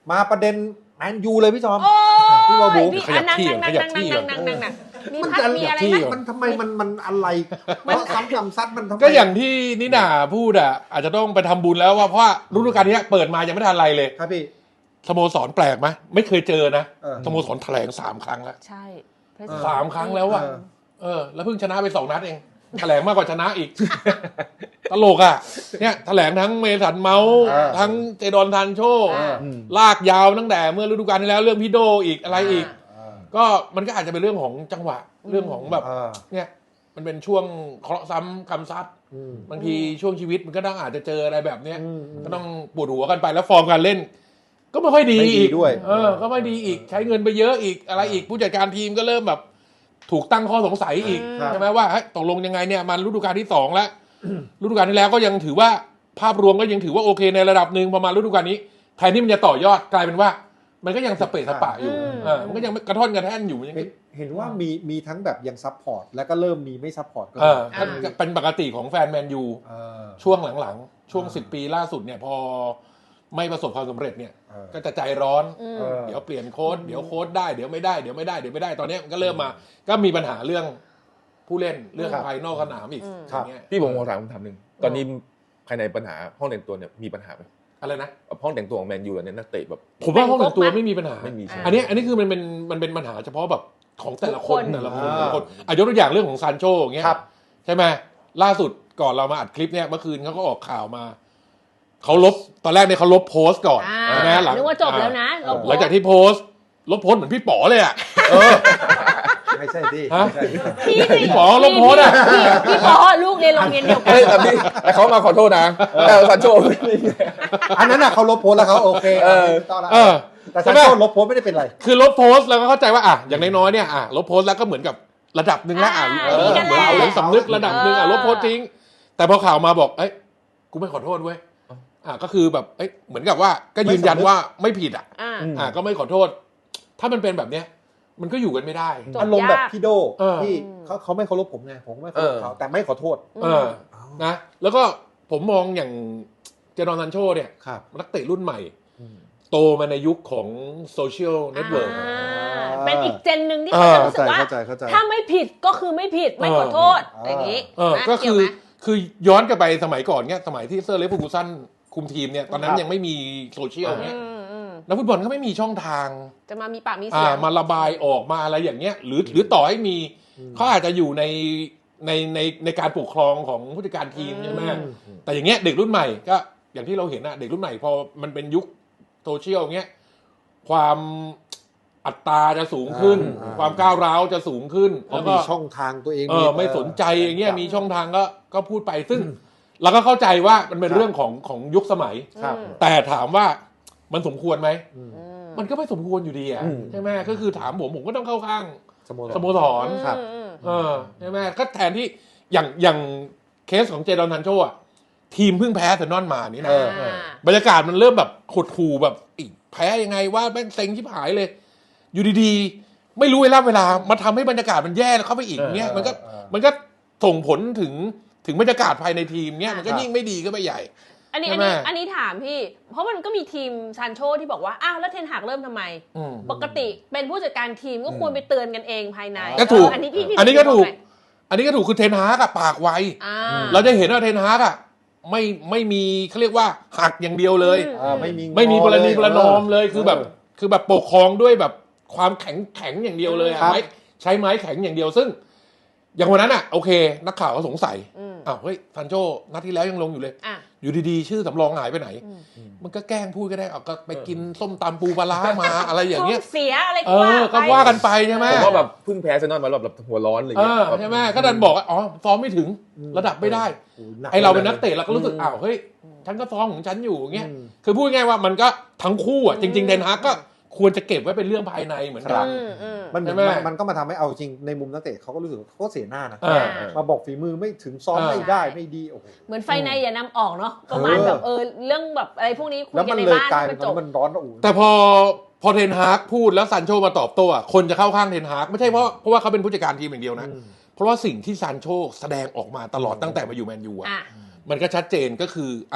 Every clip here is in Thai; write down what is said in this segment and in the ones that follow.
มาประเด็นแมนยูเลยพี่จอมพี่วาบูขยับที่นั่งมีพัดมีอะไรไหมมันทำไมมันอะไรเพราะซ้ำกำซัดมันทำไมก็อย่างที่นิน่าพูดอ่ะอาจจะต้องไปทำบุญแล้วว่าเพราะว่าฤดูกาลนี้เปิดมายังไม่ทันอะไรเลยครับพี่สโมสรแปลกไหมไม่เคยเจอนะสโมสรแถลง3 ครั้งแล้วใช่ 3 ครั้งแล้วอ่ะแล้วเพิ่งชนะไป2 นัดเองแถลงมากกว่าชนะอีกตลกอ่ะเนี่ยแถลงทั้งเมสันเมาส์ทั้งเจดอนทันโชลากยาวตั้งแต่เมื่อฤดูกาลที่แล้วเรื่องพี่โดอีกอะไรอีกก็มันก็อาจจะเป็นเรื่องของจังหวะเรื่องของแบบเนี่ยมันเป็นช่วงเคราะห์ซ้ำกรรมซัดบางทีช่วงชีวิตมันก็ต้องอาจจะเจออะไรแบบเนี้ยก็ต้องปวดหัวกันไปแล้วฟอร์มการเล่นก็ไม่ค่อยดีอีกด้วยก็ไม่ดีอีกใช้เงินไปเยอะอีกอะไรอีกผู้จัดการทีมก็เริ่มแบบถูกตั้งข้อสงสัยอีกใช่ไหมว่าตกลงยังไงเนี่ยมันฤดูกาลที่2แล้วฤดูกาลที่แล้วก็ยังถือว่าภาพรวมก็ยังถือว่าโอเคในระดับหนึ่งพอมาฤดูกาลนี้แทนที่มันจะต่อยอดกลายเป็นว่ามันก็ยังสเปะสปะอยู่มันก็ยังกระท่อนกระแท่นอยู่เห็นว่ามีทั้งแบบยังซัพพอร์ตแล้วก็เริ่มมีไม่ซัพพอร์ตก็เป็นปกติของแฟนแมนยูช่วงหลังๆช่วง10 ปีล่าสุดเนี่ยพอไม่ประสบความสำเร็จเนี่ยก็จะใจร้อนเดี๋ยวเปลี่ยนโค้ชเดี๋ยวโค้ชได้เดี๋ยวไม่ได้เดี๋ยวไม่ได้ตอนนี้มันก็เริ่มมาก็มีปัญหาเรื่องผู้เล่นเรื่องภายนอกสนามอีกพี่ผมถามคำถามนึงตอนนี้ภายในปัญหาห้องแต่งตัวเนี่ยมีปัญหาไหมอะไรนะห้องแต่งตัวของแมนยูเนี่ยนักเตะแบบผมว่าห้องแต่งตัวไม่มีปัญหาไม่มีอันนี้คือมันเป็นปัญหาเฉพาะแบบของแต่ละคนยกตัวอย่างเรื่องของซานโชอย่างเงี้ยใช่ไหมล่าสุดก่อนเรามาอัดคลิปเนี่ยเมื่อคืนเขาก็ออกข่าวมาเขาลบตอนแรกเนี่ยเขาลบโพสต์ก่อนนะนึกว่าจบแล้วนะหลังจากที่โพสต์ลบโพสต์เหมือนพี่ป๋อเลยอ่ะไม่ใช่ดิพี่ป๋อลบโพสต์อ่ะพี่ป๋อลูกเรียนโรงเรียนเดียวกันแต่เขามาขอโทษนะแต่ซานโชอันนั้นน่ะเขาลบโพสต์แล้วเขาโอเคแต่ซานโชลบโพสต์ไม่ได้เป็นไรคือลบโพสต์แล้วก็เข้าใจว่าอย่างน้อยๆเนี่ยลบโพสต์แล้วก็เหมือนกับระดับนึงแล้วเหมือนเอาสำนึกระดับนึงลบโพสต์ทิ้งแต่พอข่าวมาบอกกูไม่ขอโทษเว้ยก็คือแบบเหมือนกับว่าก็ยืนยันว่าไม่ผิดก็ไม่ขอโทษถ้ามันเป็นแบบเนี้ยมันก็อยู่กันไม่ได้อารมณ์แบบพี่โดที่เขาไม่เคารพผมไงผมไม่เคารพเขาแต่ไม่ขอโทษนะแล้วก็ผมมองอย่างเจดอนซันโชเนี่ยนักเตะรุ่นใหม่โตมาในยุคของโซเชียลเน็ตเวิร์กเป็นอีกเจนหนึ่งที่เขาจะรู้สึกว่าถ้าไม่ผิดก็คือไม่ผิดไม่ขอโทษอย่างนี้ก็คือย้อนกลับไปสมัยก่อนเนี่ยสมัยที่เซอร์เล็กฟูกูสันคุมทีมเนี่ยตอนนั้นยังไม่มีโซเชียลเนี่ยนักฟุตบอลก็ไม่มีช่องทางจะมามีปากมีเสียงมาระบายออกมาอะไรอย่างเงี้ยหรือต่อให้มีเขาอาจจะอยู่ในการปกครองของผู้จัดการทีมใช่ไหมแต่อย่างเงี้ยเด็กรุ่นใหม่ก็อย่างที่เราเห็นเด็กรุ่นใหม่พอมันเป็นยุคโซเชียลเงี้ยความอัตราจะสูงขึ้นความก้าวร้าวจะสูงขึ้นแล้วก็มีช่องทางตัวเองไม่สนใจอย่างเงี้ยมีช่องทางก็พูดไปซึ่งเราก็เข้าใจว่ามันเป็นเรื่องของยุคสมัยแต่ถามว่ามันสมควรไหมมันก็ไม่สมควรอยู่ดีใช่ไหมก็คือถามผมก็ต้องเข้าข้างสโมสรใช่ไหมก็แทนที่อย่างเคสของเจดอนทันโชทีมเพิ่งแพ้อาร์เซนอลมานี่นะบรรยากาศมันเริ่มแบบหดหู่แบบแพ้ยังไงว่าแม่งเซ็งชิบหายเลยอยู่ดีๆไม่รู้เวลามาทำให้บรรยากาศมันแย่เข้าไปอีกเนี่ยมันก็ส่งผลถึงบรรยากาศภายในทีมเนี่ยมันก็ยิ่งไม่ดีก็ไปใหญ่อันนี้ถามพี่เพราะมันก็มีทีมซานโชที่บอกว่าอ้าวแล้วเทนฮากเริ่มทำไมปกติเป็นผู้จัดการทีมก็ควรไปเตือนกันเองภายในก็ถูกอันนี้ก็ถูกคือเทนฮากปากไวเราจะเห็นว่าเทนฮากไม่มีเขาเรียกว่าหักอย่างเดียวเลยไม่มีประนีประนอมเลยคือแบบปกครองด้วยแบบความแข็งอย่างเดียวเลยใช้ไม้แข็งอย่างเดียวซึ่งอย่างวันนั้นโอเคนักข่าวก็สงสัยเฮ้ยซันโชนัดที่แล้วยังลงอยู่เลยอยู่ดีๆชื่อสำรองหายไปไหนมันก็แกล้งพูดก็ได้ก็ไปกินส้มตำปูปลาร้ามาอะไรอย่างเงี้ยเสียอะไรก็ว่ากันไปใช่ไหมผมว่าแบบพึ่งแพ้เซนอนมาแบบหัวร้อนอะไรอย่างเงี้ยใช่ไหมก็ดันบอกว่าซ้อมไม่ถึงระดับไม่ได้ไอเราเป็นนักเตะเราก็รู้สึกเฮ้ยฉันก็ซ้อมของฉันอยู่เงี้ยคือพูดง่ายว่ามันก็ทั้งคู่จริงๆเทนฮากก็ควรจะเก็บไว้เป็นเรื่องภายในเหมือนกันมันก็มาทำให้เอาจริงในมุมนักเตะเขาก็รู้สึกเขาเสียหน้านะมาบอกฝีมือไม่ถึงซ้อมไม่ได้ไม่ดีโอ้โหเหมือนไฟในอย่านำออกเนาะประมาณแบบเรื่องแบบอะไรพวกนี้คุยกันในบ้านมันจบมันร้อนแต่พอเทนฮากพูดแล้วซันโชมาตอบโต้คนจะเข้าข้างเทนฮากไม่ใช่เพราะว่าเขาเป็นผู้จัดการทีมอย่างเดียวนะเพราะว่าสิ่งที่ซันโชแสดงออกมาตลอดตั้งแต่มาอยู่แมนยูมันก็ชัดเจนก็คือ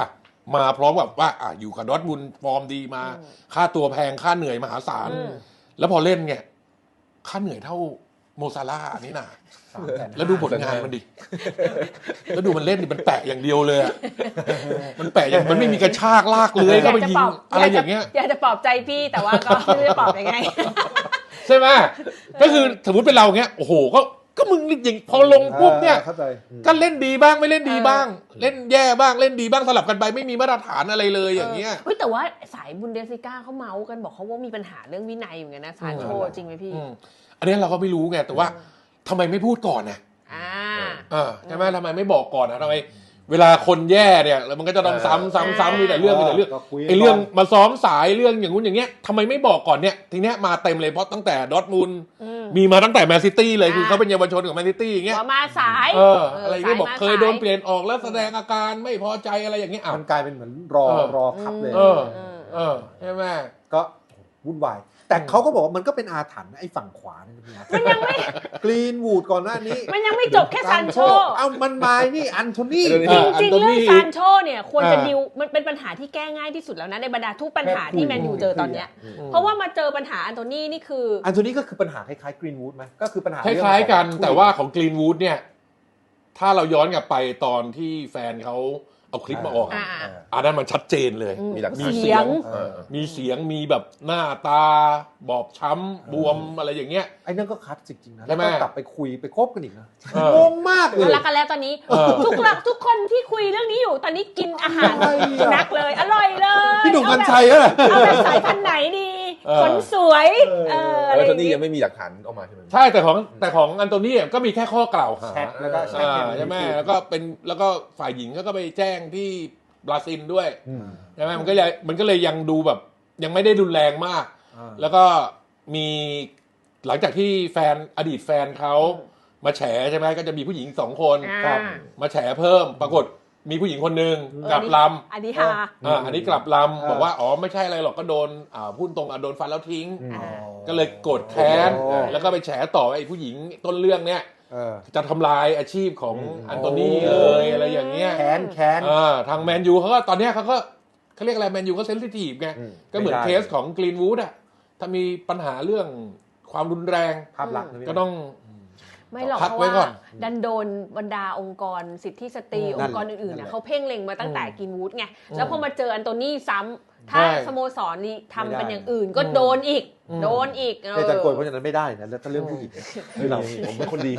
มาพร้อมกับว่าอยู่กับดอร์ทมุนด์ฟอร์มดีมา ค่าตัวแพงค่าเหนื่อยมหาศาล แล้วพอเล่นเนี่ยค่าเหนื่อยเท่าโมซาร่าห์นี่นะแล้วดูผลงานมันดิแล้วดูมันเล่นดิมันแปะอย่างเดียวเลยอะมันแปะอย่างมันไม่มีกระชากลากเลื้อยก็ไปยิงอะไรอย่างเงี้ยอยากจะปลอบใจพี่แต่ว่าก็ไม่รู้จะปลอบยังไงใช่ไหมก็คือสมมติเป็นเราเงี้ยโอ้โหก็มึงอย่างพอลงปุ๊บเนี่ยก็เล่นดีบ้างไม่เล่นดีบ้าง เล่นแย่บ้างเล่นดีบ้างสลับกันไปไม่มีมาตรฐานอะไรเลยอย่างเงี้ยเฮ้ยแต่ว่าสายบุนเดสลิก้าเขาเมาส์กันบอกเขาว่ามีปัญหาเรื่องวินัยเหมือนกันนะซานโชจริงไหมพี่อันนี้เราก็ไม่รู้ไงแต่ว่าทำไมไม่พูดก่อนนะใช่ไหมทำไมไม่บอกก่อนนะทำไมเวลาคนแย่เนี่ยแล้วมันก็จะต้องซ้ำมีแต่เรื่องไอ้เรื่องมาซ้อมสายเรื่องอย่างงู้นอย่างเงี้ยทำไมไม่บอกก่อนเนี่ยทีเนี้ยมาเต็มเลยเพราะตั้งแต่ดอร์ทมุนด์มีมาตั้งแต่แมนซิตี้เลยคือเขาเป็นเยาวชนของแมนซิตี้อย่างเงี้ยมาสายอะไรที่บอกเคยโดนเปลี่ยนออกแล้วแสดงอาการไม่พอใจอะไรอย่างเงี้ยมันกลายเป็นเหมือนรอทับเลยใช่ไหมก็วุ่นวายแต่เขาก็บอกว่ามันก็เป็นอาถรรพ์ไอ้ฝั่งขวานี่มันยังไม่กรีนวูดก่อนหน้านี้มันยังไม่จบแค่ซานโชมันมานี่อันโทนี่จริงๆเรื่องซานโชเนี่ยควรจะดิวมันเป็นปัญหาที่แก้ง่ายที่สุดแล้วนะในบรรดาทุกปัญหาที่แมนยูเจอตอนเนี้ยเพราะว่ามาเจอปัญหาอันโทนี่นี่คืออันโทนี่ก็คือปัญหาคล้ายๆกรีนวูดไหมก็คือปัญหาคล้ายๆกันแต่ว่าของกรีนวูดเนี่ยถ้าเราย้อนกลับไปตอนที่แฟนเขาเอาคลิปมาออกอันนั้นมันชัดเจนเลยมีเสียงมีแบบหน้าตาบอบช้ำบวมอะไรอย่างเงี้ยไอ้นั่นก็คัดจริงๆนะแล้วก็กลับไปคุยไปคบกันอีกนะงงมากเลยรักกันแล้วตอนนี้ทุกคนที่คุยเรื่องนี้อยู่ตอนนี้กินอาหารนักเลยอร่อยเลยพี่หนุ่มกัญชัยเหรอเอาแบบสายพันธุ์ไหนดีขนสวยแล้วตอนนี้ยังไม่มีหลักฐานออกมาใช่ไหมใช่แต่ของอันโตนี่ก็มีแค่ข้อกล่าวหาแล้วก็ใช่ไหมแล้วก็ฝ่ายหญิงก็ไปแจ้งที่บราซิลด้วยใช่ไหมมันก็เลยยังดูแบบยังไม่ได้รุนแรงมากแล้วก็มีหลังจากที่อดีตแฟนเขามาแฉใช่ไหมก็จะมีผู้หญิง2 คนมาแฉเพิ่มปรากฏมีผู้หญิงคนนึงกลับลำอันนี้กลับลำบอกว่าไม่ใช่อะไรหรอกก็โดนพูดตรงโดนฟันแล้วทิ้งก็เลยโกรธแค้นแล้วก็ไปแฉต่อไอ้ผู้หญิงต้นเรื่องเนี้ยจะทำลายอาชีพของอันโตนี่เลยอะไรอย่างเงี้ยแค้นทางแมนยูเขาก็ตอนเนี้ยเขาเรียกอะไรแมนยูก็เซนซิทีฟไงก็เหมือนเคสของกรีนวูดอ่ะถ้ามีปัญหาเรื่องความรุนแรงภาพลักษณ์ก็ต้องไม่หรอกเพราะว่าดันโดนบรรดาองค์กรสิทธิสตรีองค์กรอื่นๆเขาเพ่งเล็งมาตั้งแต่กรีนวูดไงแล้วพอมาเจออันโตนี่ซ้ำถ้าสโมสรนี่ทำเป็นอย่างอื่นก็โดนอีกแต่จันโกยเพราะฉะนั้นไม่ได้นะแล้วถ้าเรื่องผู้หญิงผมเป็นคนดี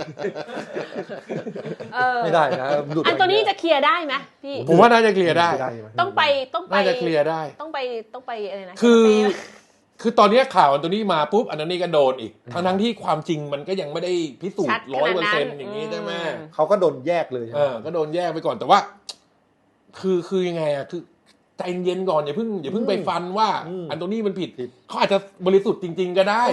ไม่ได้นะอันโตนี่จะเคลียร์ได้ไหมพี่ผมว่าน่าจะเคลียร์ได้ต้องไปน่าจะเคลียร์ได้ต้องไปอะไรนะคือตอนนี้ข่าวอันโตนี่มาปุ๊บอันนี้ก็โดนอีกทั้งที่ความจริงมันก็ยังไม่ได้พิสูจน์ 100% อย่างนี้ใช่ไหมเขาก็โดนแยกเลยก็โดนแยกไปก่อนแต่ว่าคือยังไงคือใจเย็นก่อนอย่าเพิ่งไปฟันว่าอันโตนี่มันผิดเขาอาจจะบริสุทธิ์จริงๆก็ได้